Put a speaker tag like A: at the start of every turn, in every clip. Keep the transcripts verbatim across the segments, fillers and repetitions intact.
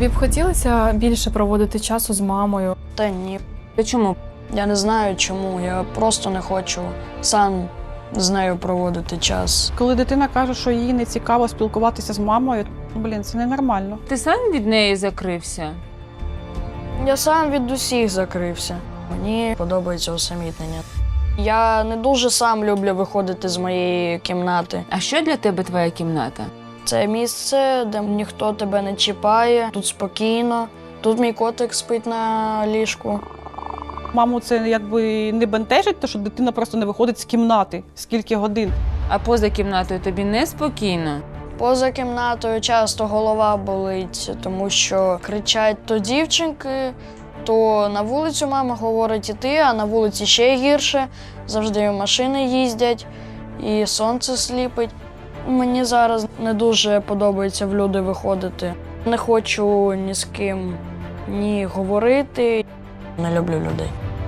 A: Тобі б хотілося більше проводити часу з мамою?
B: Та ні.
C: Та чому?
B: Я не знаю чому, я просто не хочу сам з нею проводити час.
D: Коли дитина каже, що їй не цікаво спілкуватися з мамою, блін, це ненормально.
C: Ти сам від неї закрився?
B: Я сам від усіх закрився. Мені подобається усамітнення. Я не дуже сам люблю виходити з моєї кімнати.
C: А що для тебе твоя кімната?
B: Це місце, де ніхто тебе не чіпає, тут спокійно. Тут мій котик спить на ліжку.
D: Маму це якби не бентежить, те, що дитина просто не виходить з кімнати скільки годин.
C: А поза кімнатою тобі неспокійно?
B: Поза кімнатою часто голова болить, тому що кричать то дівчинки, то на вулицю мама говорить іти, а на вулиці ще гірше. Завжди машини їздять і сонце сліпить. Мені зараз не дуже подобається в люди виходити. Не хочу ні з ким ні говорити. Не люблю людей.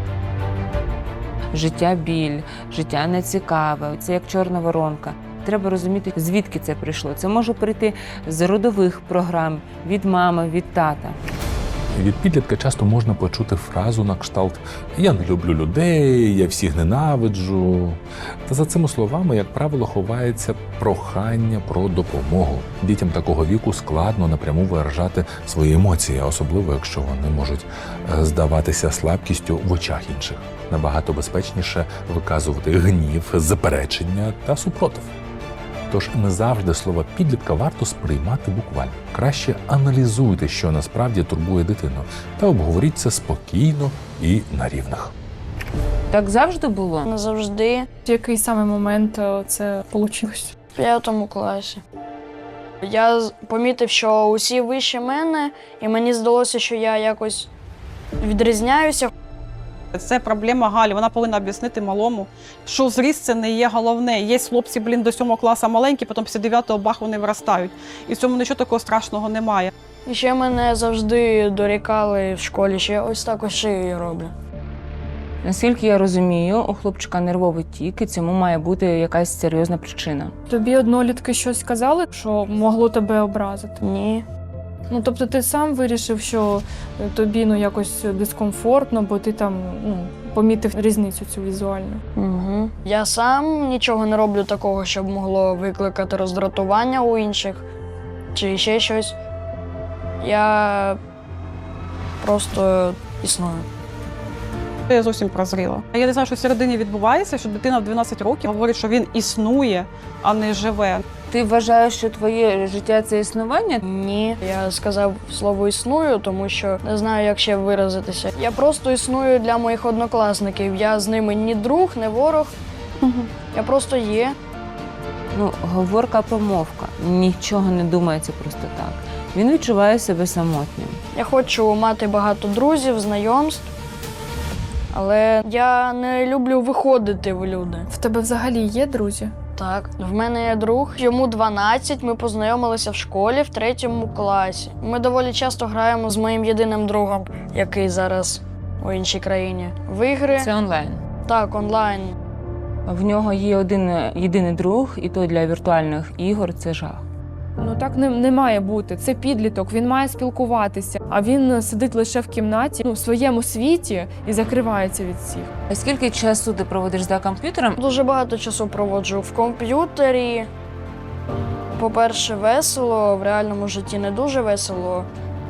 C: Життя біль, життя нецікаве, це як чорна воронка. Треба розуміти, звідки це прийшло. Це може прийти з родових програм, від мами, від тата.
E: Від підлітка часто можна почути фразу на кшталт «я не люблю людей», «я всіх ненавиджу». Та за цими словами, як правило, ховається прохання про допомогу. Дітям такого віку складно напряму виражати свої емоції, особливо якщо вони можуть здаватися слабкістю в очах інших. Набагато безпечніше виказувати гнів, заперечення та супротив. Тож не завжди слова підлітка варто сприймати буквально. Краще аналізуйте, що насправді турбує дитину, та обговоріть це спокійно і на рівних.
C: Так завжди було?
B: Не завжди.
A: В який саме момент це вийшло?
B: В п'ятому класі. Я помітив, що усі вище мене, і мені здалося, що я якось відрізняюся.
D: Це проблема Галі. Вона повинна об'яснити малому, що зріст – це не є головне. Є хлопці, блін, до сьомого класу маленькі, потім після дев'ятого бах вони виростають. І в цьому нічого такого страшного немає.
B: І ще мене завжди дорікали в школі, що я ось так ось шиєю роблю.
C: Наскільки я розумію, у хлопчика нервовий тік, і цьому має бути якась серйозна причина.
A: Тобі однолітки щось сказали, що могло тебе образити?
B: Ні.
A: Ну, тобто ти сам вирішив, що тобі ну, якось дискомфортно, бо ти там ну, помітив різницю цю візуальну.
B: Угу. Я сам нічого не роблю такого, щоб могло викликати роздратування у інших чи ще щось. Я просто існую.
D: Я зовсім прозріла. Я не знаю, що всередині відбувається, що дитина в дванадцять років говорить, що він існує, а не живе.
C: Ти вважаєш, що твоє життя – це існування?
B: Ні. Я сказав слово «існую», тому що не знаю, як ще виразитися. Я просто існую для моїх однокласників. Я з ними ні друг, ні ворог.
D: Угу.
B: Я просто є.
C: Ну, говорка-помовка. Нічого не думається просто так. Він відчуває себе самотнім.
B: Я хочу мати багато друзів, знайомств, але я не люблю виходити в люди.
A: В тебе взагалі є друзі?
B: Так, в мене є друг, йому дванадцять, ми познайомилися в школі в третьому класі. Ми доволі часто граємо з моїм єдиним другом, який зараз у іншій країні. В ігри.
C: Це онлайн.
B: Так, онлайн.
C: В нього є один єдиний друг, і то для віртуальних ігор це жах.
A: Ну так не, не має бути. Це підліток, він має спілкуватися, а він сидить лише в кімнаті, ну, в своєму світі і закривається від всіх.
C: А скільки часу ти проводиш за комп'ютером?
B: Дуже багато часу проводжу в комп'ютері. По-перше, весело, в реальному житті не дуже весело,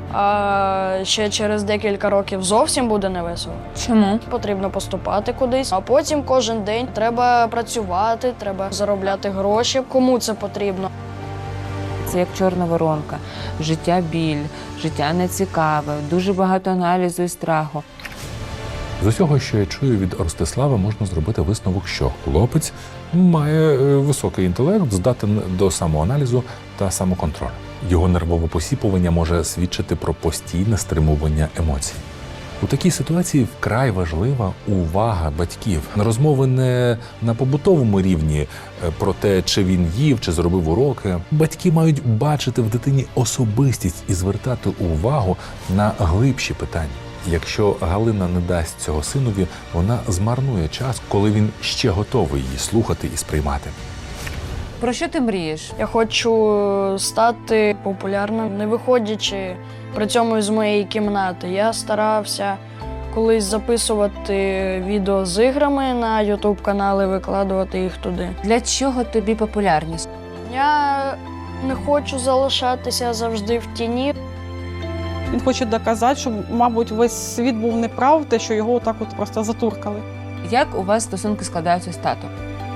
B: а ще через декілька років зовсім буде не весело.
C: Чому?
B: Потрібно поступати кудись, а потім кожен день треба працювати, треба заробляти гроші. Кому це потрібно?
C: Це як чорна воронка. Життя біль, життя нецікаве, дуже багато аналізу і страху.
E: З усього, що я чую від Ростислава, можна зробити висновок, що хлопець має високий інтелект, здатен до самоаналізу та самоконтролю. Його нервове посіпування може свідчити про постійне стримування емоцій. У такій ситуації вкрай важлива увага батьків. Розмови не на побутовому рівні про те, чи він їв, чи зробив уроки. Батьки мають бачити в дитині особистість і звертати увагу на глибші питання. Якщо Галина не дасть цього синові, вона змарнує час, коли він ще готовий її слухати і сприймати.
C: Про що ти мрієш?
B: Я хочу стати популярним, не виходячи при цьому з моєї кімнати. Я старався колись записувати відео з іграми на ютуб канали, викладувати їх туди.
C: Для чого тобі популярність?
B: Я не хочу залишатися завжди в тіні.
D: Він хоче доказати, що, мабуть, весь світ був неправ, те, що його отак от просто затуркали.
C: Як у вас стосунки складаються з татом?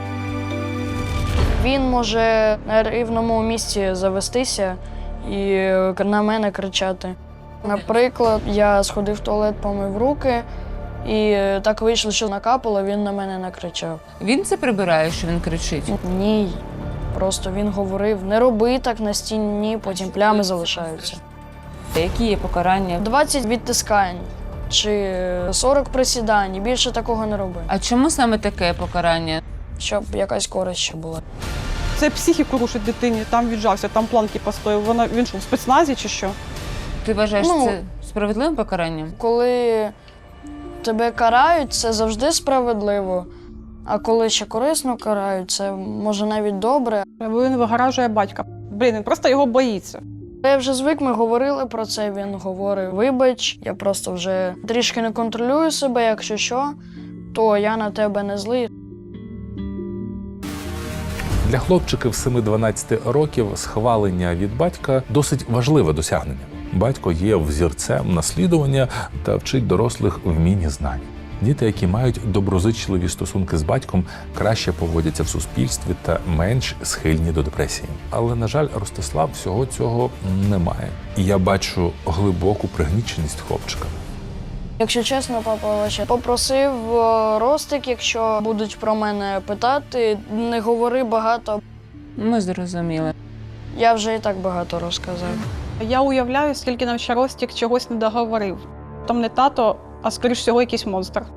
B: Він може на рівному місці завестися і на мене кричати. Наприклад, я сходив в туалет, помив руки, і так вийшло, що накапало, він на мене накричав.
C: Він це прибирає, що він кричить?
B: Ні, просто він говорив, не роби так на стіні, потім плями залишаються.
C: Які є покарання?
B: двадцять відтискань чи сорок присідань, і більше такого не роби,
C: А чому саме таке покарання?
B: щоб якась користь ще була.
D: Це психіку рушить дитині, там віджався, там планки постояв. Вона, він що, в спецназі чи що?
C: Ти вважаєш
B: Ну,
C: це справедливим покаранням?
B: Коли тебе карають, це завжди справедливо, а коли ще корисно карають, це може навіть добре.
D: Він вигоражує батька. Блін, він просто його боїться.
B: Я вже звик, ми говорили про це, він говорив, вибач, я просто вже трішки не контролюю себе, якщо що, то я на тебе не злий.
E: Для хлопчиків семи-дванадцяти років схвалення від батька досить важливе досягнення. Батько є взірцем наслідування та вчить дорослих вмінь знань. Діти, які мають доброзичливі стосунки з батьком, краще поводяться в суспільстві та менш схильні до депресії. Але, на жаль, Ростислав всього цього не має. І я бачу глибоку пригніченість хлопчика.
B: Якщо чесно, папа ще попросив е, Ростик, якщо будуть про мене питати, не говори багато.
C: Ми зрозуміли.
B: Я вже і так багато розказав.
D: Я уявляю, скільки нам ще Ростік чогось не договорив. Там не тато, а скоріш всього якийсь монстр.